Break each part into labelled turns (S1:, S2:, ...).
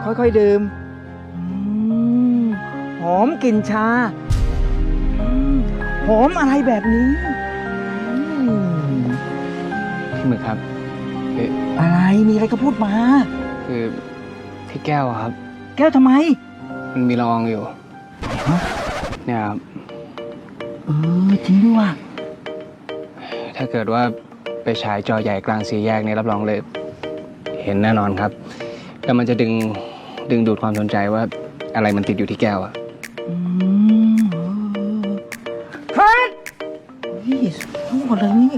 S1: ค่อยๆดื่มหอมกลิ่นชาหอมอะไรแบบนี้
S2: พี่หมึกครับคือ
S1: อะไรมีอะไรก็พูดมา
S2: คือที่แก้วอะครับ
S1: แก้วทำไม
S2: มันมีละอองอยู่เนี่ยครับ
S1: จริงด้วยว่ะ
S2: ถ้าเกิดว่าไปฉายจอใหญ่กลางสี่แยกเนี่ยรับรองเลย เห็นแน่นอนครับแล้วมันจะดึงดูดความสนใจว่าอะไรมันติดอยู่ที่แก้วอะ
S1: เฮ้ยทั้งหมดเลยนี่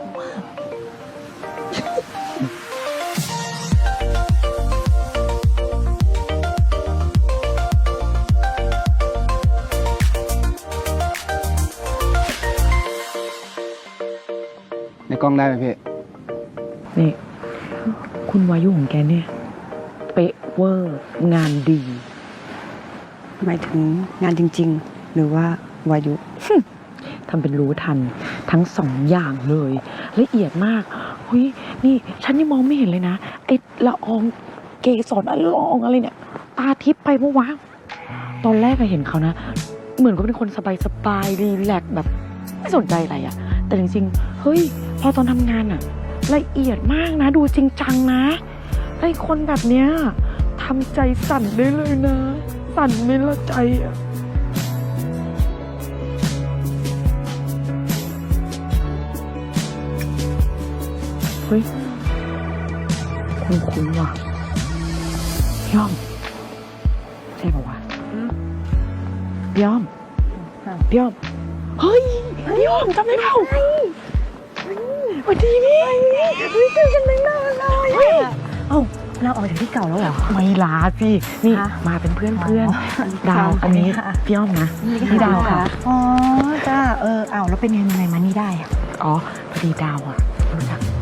S2: ในกล้องได้ไหมพี่
S3: นี่คุณวายุของแกเนี่ยเป๊ะเวอร์งานดี
S4: หมายถึงงานจริงๆ หรือว่าวายุ
S3: ทำเป็นรู้ทันทั้งสองอย่างเลยละเอียดมากเฮ้ยนี่ฉันยังมองไม่เห็นเลยนะไอ้ละอองเกสรละอองอะไรเนี่ยตาทิพย์ไปเมื่อวานตอนแรกอะเห็นเขานะเหมือนก็เป็นคนสบายรีแลกซ์แบบไม่สนใจอะไรอะแต่จริงๆเฮ้ยพอตอนทำงานอะละเอียดมากนะดูจริงจังนะไอ้คนแบบเนี้ยทำใจสั่นได้เลยนะสั่นไม่ละใจอะเฮ้ยคุ้นๆว่ะพี่อ้อมใช่ป่าวะพี่อ้อมพี่อ้อมเฮ้ยพี่อ้อมจำได้เปล่าสวัสดีพี่เจอกันตั้งนานเลยเอ้าเราออกจากที่เก่าแล้วเหรอไม่ลาสินี่มาเป็นเพื่อนดาวอันนี้พี่อ้อมนะพี่ดาวค่ะ
S4: อ๋อจ้าเอาแล้วเป็นยังไงมานี่ได้อะ
S3: อ๋อพอดีดาวอ่ะรู้จัก